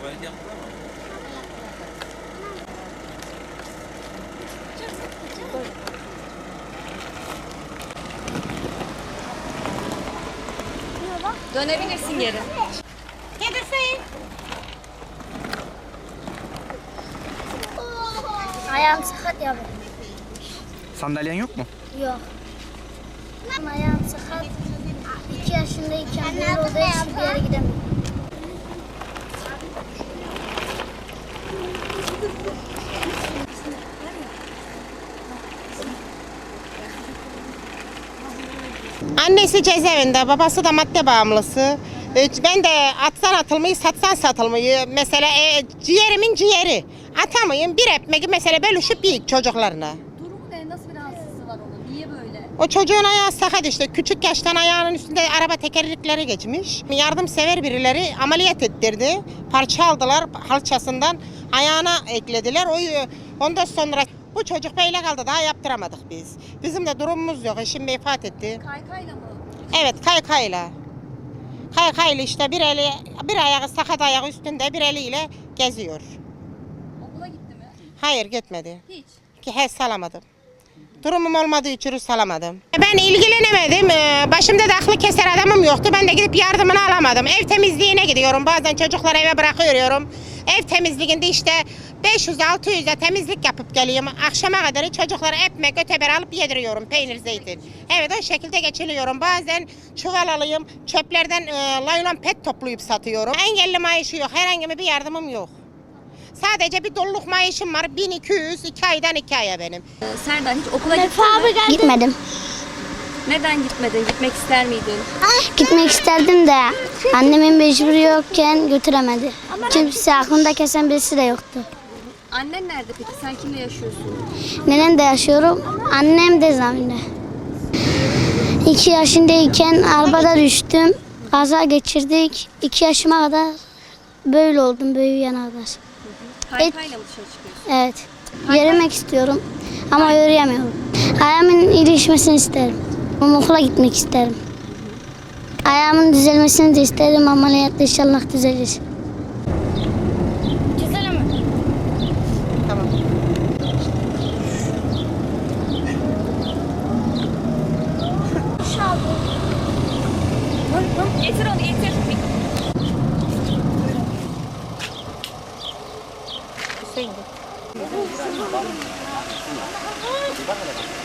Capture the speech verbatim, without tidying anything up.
Tuvalet yaptılar mı? Dönebilirsin geri. Yedirseyin. Ayağım sakat ya benim. Sandalyen yok mu? Yok. Ayağım sakat. İki yaşındayken böyle olduğu için bir yere gidemiyorum. Annesi cezaevinde, babası da madde bağımlısı. Ben de atsan atılmayı, satsan satılmayı. Mesela e, ciğerimin ciğeri. Atamayın bir ekmeği mesela bölüşüp yiyik çocuklarına. Durumu ne? Nasıl bir rahatsızlığı var onun? Niye böyle? O çocuğun ayağı sakat işte. Küçük yaştan ayağının üstünde araba tekerlekleri geçmiş. Yardımsever birileri ameliyat ettirdi. Parça aldılar halçasından. Ayağına eklediler. O, ondan sonra bu çocuk böyle kaldı. Daha yaptıramadık biz. Bizim de durumumuz yok. Eşim vefat etti. Kaykayla mı? Evet, kaykayla. Kaykayla işte bir eli, bir ayağı sakat ayağı üstünde bir eliyle geziyor. Okula gitti mi? Hayır gitmedi. Hiç. Ki he salamadım. Durumum olmadığı için salamadım. Ben ilgilenemedim. Başımda da aklı keser adamım yoktu. Ben de gidip yardımını alamadım. Ev temizliğine gidiyorum. Bazen çocukları eve bırakıyorum. Ev temizliğinde işte beş yüz altı yüze temizlik yapıp geliyorum. Akşama kadar çocuklara ekmek öteber alıp yediriyorum. Peynir, zeytin. Evet o şekilde geçiriyorum. Bazen çuval alayım. Çöplerden e, laylon pet toplayıp satıyorum. Engelli maaşı yok. Herhangi bir yardımım yok. Sadece bir doluluk maaşım var. bin iki yüz, iki aydan iki aya benim. Ee, Serdar hiç okula gittin mi? Gitmedim. Neden gitmedin? Gitmek ister miydin? Gitmek isterdim de annemin mecburi yokken götüremedi. Kimse aklında kesen birisi de yoktu. Annen nerede peki? Sen kimle yaşıyorsun? Nenem de yaşıyorum. Annem de zaminde. İki yaşındayken arabada düştüm. Kaza geçirdik. İki yaşıma kadar böyle oldum büyüyene kadar. Kaykayla mı dışarı çıkıyorsun? Evet. Yürümek istiyorum ama yürüyemiyorum. Ayağımın iyileşmesini isterim. Ama okula gitmek isterim. Ayağımın düzelmesini de isterim. Ameliyatla inşallah düzelir. Güzel mi? Tamam. Getir onu getir. Hüseyin.